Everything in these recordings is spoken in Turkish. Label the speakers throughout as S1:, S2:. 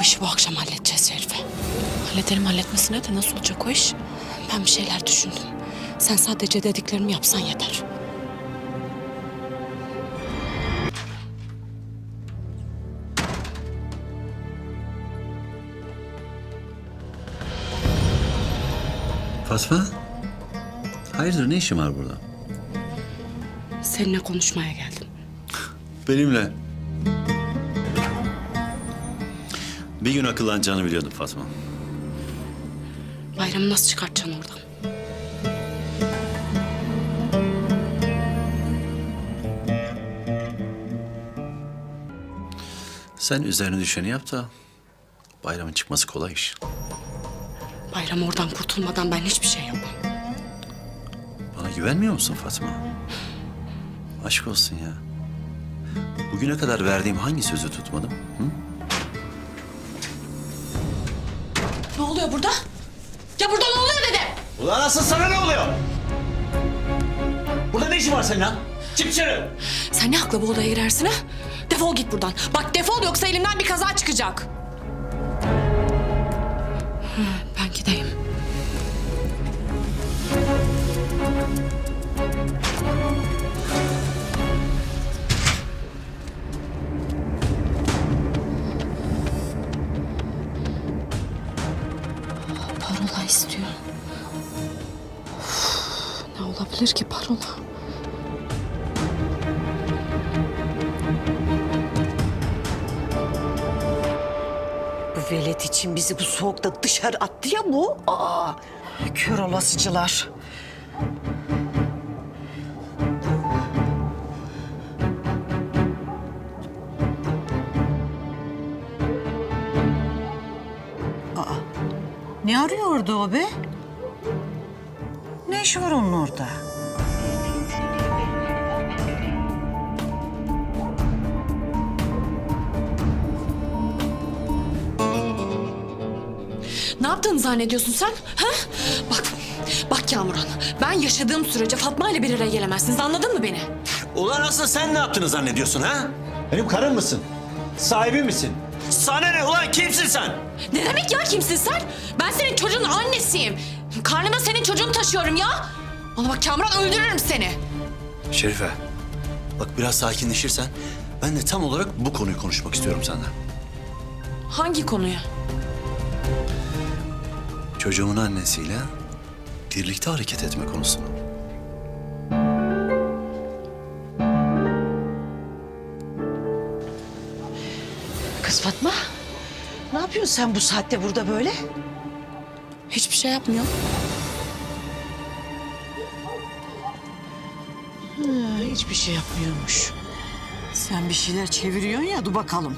S1: işi bu akşam halledeceğiz Şerife. Halledelim, halletmesine de nasıl olacak o iş? Ben bir şeyler düşündüm. Sen sadece dediklerimi yapsan yeter.
S2: Fatma, hayırdır ne işin var burada?
S1: Seninle konuşmaya geldim.
S2: Benimle. Bir gün akıllanacağını biliyordum Fatma.
S1: Bayramı nasıl çıkartacaksın oradan?
S2: Sen üzerine düşeni yap da bayramın çıkması kolay iş.
S1: Bayram oradan kurtulmadan ben hiçbir şey yapmam.
S2: Bana güvenmiyor musun Fatma? Aşk olsun ya. Bugüne kadar verdiğim hangi sözü tutmadım? Hı?
S1: Ne oluyor burada? Ya burada ne oluyor dedim?
S3: Ulan asıl sana ne oluyor? Burada ne işin var senin lan? Çık dışarı.
S1: Sen ne hakla bu odaya girersin ha? Defol git buradan. Bak defol, yoksa elimden bir kaza çıkacak. Ben gideyim. Parola istiyor. Of, ne olabilir ki parola?
S4: Bu velet için bizi bu soğukta dışarı attı ya bu. Aa, kör olasıcılar. Aa, ne arıyordu o be? Ne işi var onun orada?
S1: Ne yaptığını zannediyorsun sen? Ha? Bak Kamuran. Ben yaşadığım sürece Fatma ile bir araya gelemezsiniz. Anladın mı beni?
S3: Ulan asıl sen ne yaptığını zannediyorsun ha? Benim karım mısın? Sahibi misin? Sana ne ulan, kimsin sen?
S1: Ne demek ya kimsin sen? Ben senin çocuğun annesiyim. Karnımda senin çocuğunu taşıyorum ya. Bana bak Kamuran, öldürürüm seni.
S2: Şerife, bak biraz sakinleşirsen ben de tam olarak bu konuyu konuşmak istiyorum senden.
S1: Hangi konuyu?
S2: Çocuğumun annesiyle birlikte hareket etme konusunu.
S4: Kız Fatma, ne yapıyorsun sen bu saatte burada böyle?
S1: Hiçbir şey yapmıyor.
S4: Hiçbir şey yapmıyormuş. Sen bir şeyler çeviriyorsun ya, dur bakalım.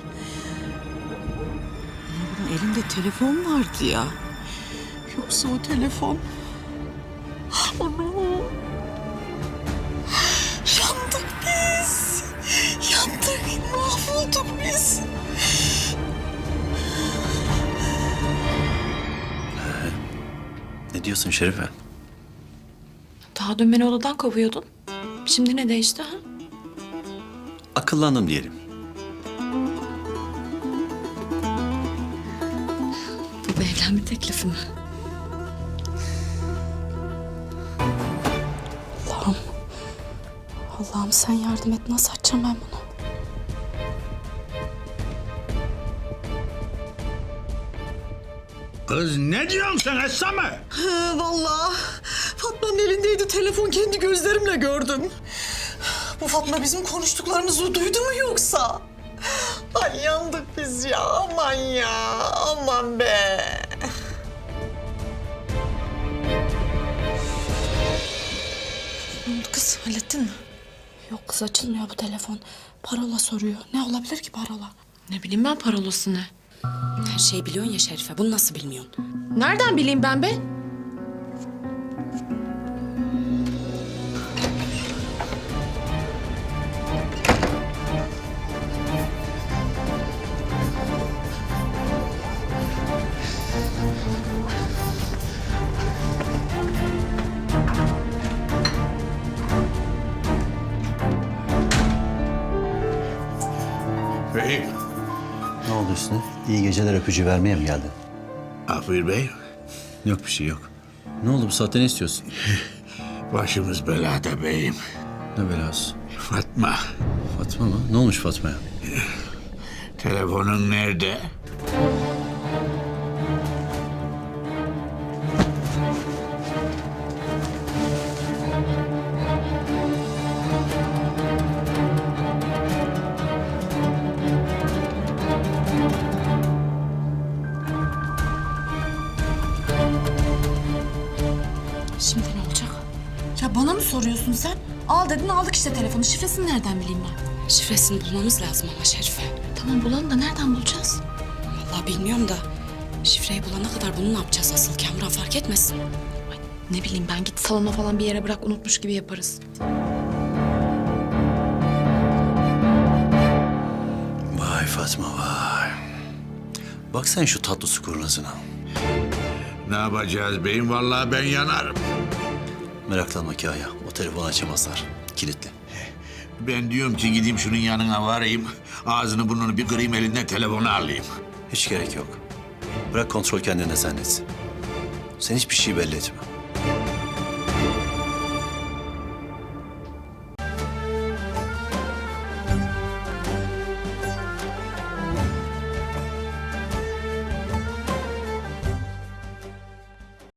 S4: Bunun elinde telefon vardı ya. Yoksa o telefon... Ana! Yandık biz! Yandık, mahvolduk biz!
S2: Ne diyorsun Şerife?
S1: Daha dün beni odadan kovuyordun. Şimdi ne değişti ha?
S2: Akıllandım diyelim.
S1: Bu bir evlenme teklifi mi? Allah'ım. Allah'ım sen yardım et. Nasıl açacağım ben bunu?
S5: Kız ne diyorsun sen Esame?
S4: Vallahi Fatma'nın elindeydi telefon, kendi gözlerimle gördüm. Bu Fatma bizim konuştuklarımızı duydu mu yoksa? Ay yandık biz ya, aman ya, aman be.
S1: Ne oldu kız? Hallettin mi? Yok kız, açılmıyor bu telefon. Parola soruyor. Ne olabilir ki parola? Ne bileyim ben parolası ne? Her şeyi biliyorsun ya Şerife. Bunu nasıl bilmiyorsun? Nereden bileyim ben be?
S5: Beyim,
S2: Ne oldu? oldu Hüsnü? İyi geceler öpücüğü vermeye mi geldin?
S5: Afir Bey,
S2: Yok bir şey yok. Ne oldu bu saatte ne istiyorsun?
S5: başımız belada beyim.
S2: Ne belası?
S5: Fatma,
S2: Fatma mı? Ne olmuş Fatma'ya?
S5: telefonun nerede?
S1: Şimdi ne olacak? Ya bana mı soruyorsun sen? Al dedin aldık işte telefonu. Şifresini nereden bileyim ben? Şifresini bulmamız lazım ama Şerife. Tamam bulalım da nereden bulacağız? Vallahi bilmiyorum da şifreyi bulana kadar bunu ne yapacağız asıl? Kamran fark etmesin. Ay, ne bileyim ben git salona falan bir yere bırak unutmuş gibi yaparız.
S2: Vay Fatma vay. Bak sen şu tatlı su kurnazına.
S5: Ne yapacağız beyim? Vallahi ben yanarım.
S2: Meraklanma Kaya. O telefonu açamazlar. Kilitli.
S5: Ben diyorum ki gideyim şunun yanına varayım. Ağzını burnunu bir kırayım elinden telefonu alayım.
S2: Hiç gerek yok. Bırak kontrol kendine zannetsin. Sen hiçbir şey belli etme.